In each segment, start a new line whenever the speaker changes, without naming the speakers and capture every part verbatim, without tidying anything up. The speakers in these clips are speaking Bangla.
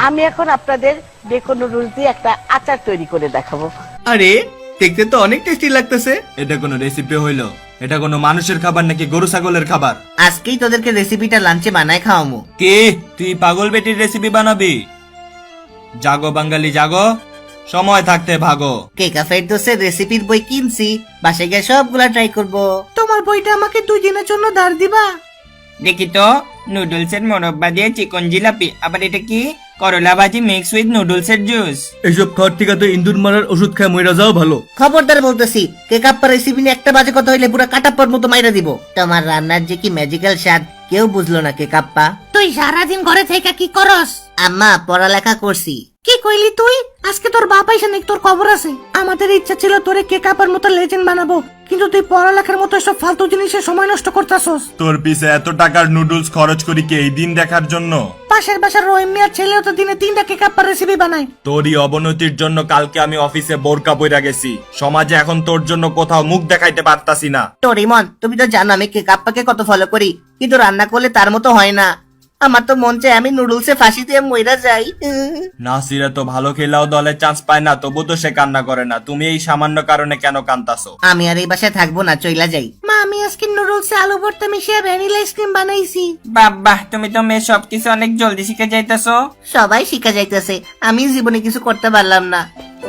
আমি এখন আপনাদের বেকন নুডলস দিয়ে একটা আচার তৈরি করে দেখাবো।
আরে দেখতে তো অনেক টেস্টি লাগতেছে। এটা কোনো রেসিপি হইলো? এটা কোনো মানুষের খাবার নাকি গরু ছাগলের খাবার?
আজকেই তোদেরকে রেসিপিটা লাঞ্চে বানায় খাওয়ামু।
কে তুই পাগল বেটির রেসিপি বানাবি? জাগো বাঙালি জাগো, সময় থাকতে ভাগো।
কেকা ফেরদৌসের রেসিপির বই কিনছি, বাসায় গিয়ে সবগুলা ট্রাই করব। তোমার বইটা আমাকে দুই দিনের জন্য ধার দিবা?
দেখি তো, নুডলসের মোরব্বা দিয়ে চিকন জিলাপি, আবার এটা কি? করলা ভাজি মিক্স উইথ নুডলসের জুস।
এইসব খাওয়ার থেকে তো ইন্দুর মারার ওষুধ খায় মইরা যাও ভালো।
খবরদার বলতেছি, কেকাপ্পা রেসিপি নিয়ে একটা বাজে কথা হইলে পুরো কাটাপ্পার মতো মাইরা দিব। তোমার রান্নার যে কি ম্যাজিক্যাল স্বাদ কেউ বুঝলো না কেকাপ্পা। তুই সারাদিন ঘরে থেকে কি করস? আম্মা পড়ালেখা করছি। কি কইলি তুই? আজকে তোর বাপ আইসা নাকি তোর খবর আছে? আমাদের ইচ্ছা ছিল তোরে কেকাপ্পার মতো লেজেন্ড বানাবো, কিন্তু তুই পড়ালেখার মতো সব ফালতু জিনিসে সময় নষ্ট করতাছস।
তোর পিছে এত টাকার নুডলস খরচ করি কি এই দিন দেখার জন্য?
পাশের বাসার রহিম মিয়ার ছেলেও তো দিনে তিনটা কেকাপ্পার রেসিপি বানায়।
তোরই অবনতির জন্য কালকে আমি অফিসে বোরকা পইরা গেছি। সমাজে এখন তোর জন্য কোথাও মুখ দেখাইতে পারতাছি না।
টোরিমন, তুমি তো জানো আমি কেকাপ্পাকে কত ফলো করি, কিন্তু রান্না করলে তার মতো হয় না। আমার তো মন চায় আমি নুডলসে ফাঁসি দিয়ে মইরা যাই।
নাসিরা তো ভালো খেলাও দলে চান্স পায় না, তবু তো সে কান্না করে না। তুমি এই সামান্য কারণে কেন কান্তাছো?
আমি আর এই বাসায় থাকবো না, চইলা যাই। মা, আমি আজকে নুডলসে আলু ভর্তা মিশিয়ে ভ্যানিলা আইসক্রিম বানাইছি।
বাবা, তুমি তো মেয়ে সবকিছু অনেক জলদি শিখে যাইতেছো।
সবাই শিখা যাইতেছে, আমি জীবনে কিছু করতে পারলাম না।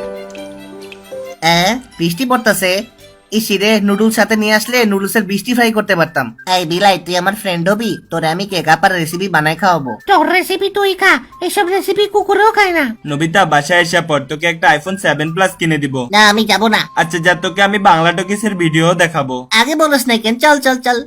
এ, বৃষ্টি পড়তেছে। ইসিরে নুডলস সাথে নিয়ে আসলে নুডলসের বৃষ্টি ফ্রাই করতে পারতাম। এই বিলাই, তুই আমার ফ্রেন্ড হবি, তোরে আমি কেকাপার রেসিপি বানাই খাওয়াবো। তোর রেসিপি তুই খা, এসব রেসিপি কুকুরেও খায় না।
নবিতা বাসায় এসে পর তোকে একটা আইফোন সেভেন প্লাস কিনে দিব।
না, আমি যাব না।
আচ্ছা যা, তোকে আমি বাংলা টকিসের ভিডিও দেখাবো।
আগে বলস না কেন? চল চল চল।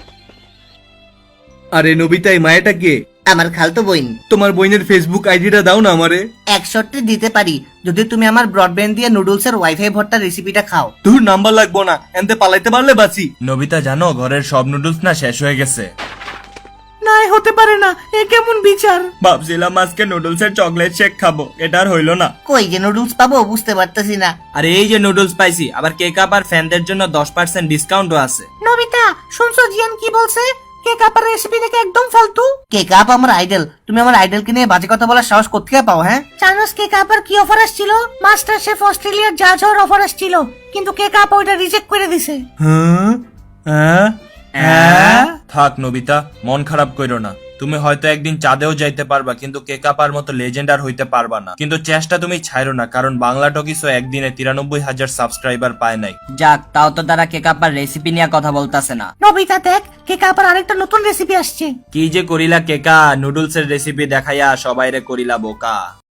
আরে নবিতা, এই মায়াটা কে?
আমার খালতো বোন।
তোমার বোনের ফেসবুক আইডিটা দাও না আমারে।
একশোটি দিতে পারি যদি তুমি আমার ব্রডব্যান্ড দিয়ে নুডলসের ওয়াইফাই ভর্তা রেসিপিটা খাও।
তোর নাম্বার লাগবো না, এনতে পালাইতে পারলে বাঁচি।
নবিতা জানো ঘরের সব নুডলস না শেষ হয়ে গেছে।
না, হতে পারে না, এ কেমন বিচার?
ভাবছিলাম আজকে নুডলসের চকলেট শেক খাবো, এটা আর হইলো না।
কই যে নুডলস পাবো বুঝতে পারতেছি না।
আরে এই যে নুডলস পাইছি, আবার কেক আপ আর ফ্যানদের জন্য দশ পার্সেন্ট ডিসকাউন্টও আছে।
নবিতা, শুনছো জিয়ান কি বলছে? কেক আপের রেসিপি দেখে একদম ফালতু। কেক আপ আমার আইডল, তুমি আমার আইডলকে নিয়ে বাজে কথা বলার সাহস কোত্থেকে পাও? হ্যাঁ, জানোস কেক আপের কি অফার আসছিল? মাস্টার শেফ অস্ট্রেলিয়ার জাজ হওয়ার অফার আসছিল, কিন্তু কেক আপ ওইটা রিজেক্ট করে দিছে।
হ্যাঁ হ্যাঁ থাক নবিতা, মন খারাপ কইরো না। তুমি হয়তো একদিন চাঁদেও যাইতে পারবা, কিন্তু কেকাপার মতো লেজেন্ড আর হইতে পারবা না। কিন্তু চেষ্টা তুমি ছাইরো না, কারণ বাংলা টকিসও একদিনে তিরানব্বই হাজার সাবস্ক্রাইবার পায় নাই।
যাক, তাও তো তারা কেকাপার রেসিপি নিয়ে কথা বলতাছে না।
নবিতা দেখ, কেক আপের আরেকটা নতুন রেসিপি আসছে।
কি যে করিলা কেকা, নুডলসের রেসিপি দেখাইয়া সবাইরে করিলা বোকা।